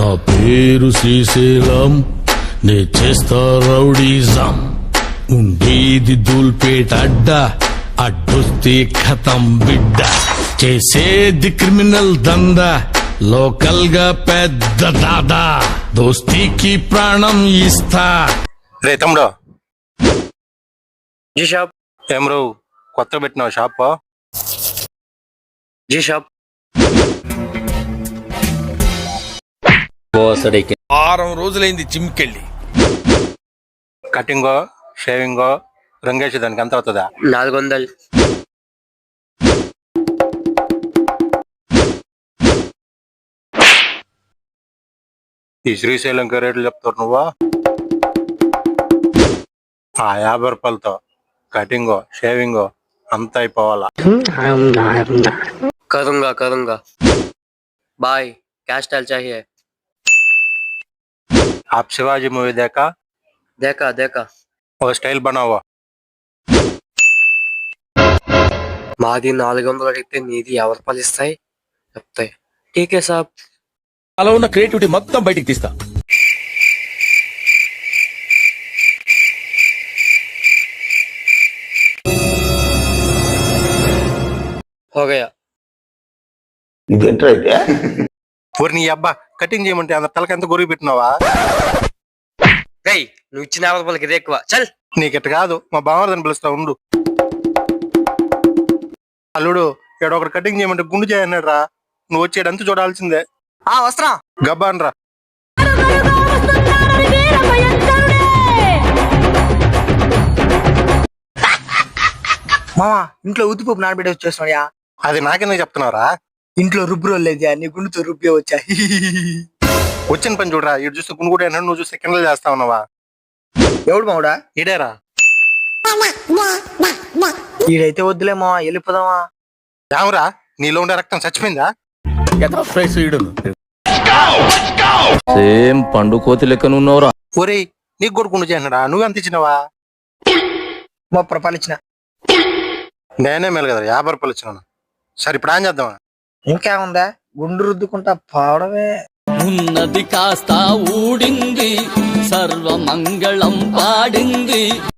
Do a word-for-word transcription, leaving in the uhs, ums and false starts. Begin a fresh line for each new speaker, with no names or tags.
పేరు శ్రీశైలం, నే చేస్తా రౌడీజం. ఉండేది దూల్పేట అడ్డ, అడ్డొస్తే ఖతం బిడ్డ. చేసేది క్రిమినల్ దందా, లోకల్ గా పెద్ద దాదా. దోస్తీకి ప్రాణం ఇస్తా.
రే తమ్ముడు,
జీ షాప్.
ఏం రో కొత్త పెట్టినావు షాప్?
G shop.
వారం రోజులైంది జిమ్కెళ్ళి.
కటింగో షేవింగో రంగేసి దానికి ఎంత అవుతుందా?
నాలుగు వందలు.
ఈ శ్రీశైలం రేట్లు చెప్తారు నువ్వా? ఆ యాభై రూపాయలతో కటింగో షేవింగో అంత అయిపోవాలా?
करूंगा करूंगा बाय क्या स्टाइल चाहिए?
आप शिवाजी मूवी देखा?
देखा देखा.
वो स्टाइल बनाओ.
మాది నాలుగు వందలు అడిగితే నీది యాభై రూపాయలు ఇస్తాయి చెప్తాయి. ఠీకే సాబ్.
అలా ఉన్న క్రియేటివిటీ మొత్తం బయటికి తీస్తా.
हो गया.
ఊరి నీ అబ్బా కటింగ్ చేయమంటే అంత తలకి ఎంత గొరిగి పెట్టినావా?
గై నువ్వు ఇచ్చిన యాభై రూపాయలకి ఇదే ఎక్కువ. చల్.
నీకిట్ట కాదు, మా బావదని పిలుస్తా ఉండు. అల్లుడు ఏడో ఒకటి కటింగ్ చేయమంటే గుండు చేయన్నాడు రా. నువ్వు వచ్చేడంతా చూడాల్సిందే.
ఆ వస్త్రా
గబ్బాన్ రా.
మామా ఇంట్లో ఉద్దిపప్పు నానబెట్టి వచ్చేస్తున్నాయా?
అది నాకెందుకు చెప్తున్నావురా?
ఇంట్లో రుబ్బు లేదా నీ గుండుతో రుబ్బే వచ్చా.
వచ్చిన పని చూడరా. ఇటు చూస్తే గుండు కూడా అన్నాడు, నువ్వు చూస్తే కిండలు చేస్తా ఉన్నావా?
ఎవడు మావుడా?
ఇడేరా.
ఈడైతే వద్దులే మావా, వెళ్ళిపోదామా?
రామురా, నీలో ఉండే రక్తం చచ్చిపోయిందా?
సేమ్ పండు కోతి లెక్కనున్నావురా.
ఒరేయ్ నీకు కూడా గుండు చేయన్నాడా? నువ్వు ఎంత ఇచ్చినావా?
ముప్పై రూపాయలు ఇచ్చిన.
నేనే మేలు కదా యాభై రూపాయలు ఇచ్చినాను. సరే ఇప్పుడు ఏం చేద్దామా?
ఇంకేముందా, గుండు రుద్దుకుంటా పోవడమే.
ఉన్నది కాస్త ఊడింది, సర్వమంగళం పాడింది.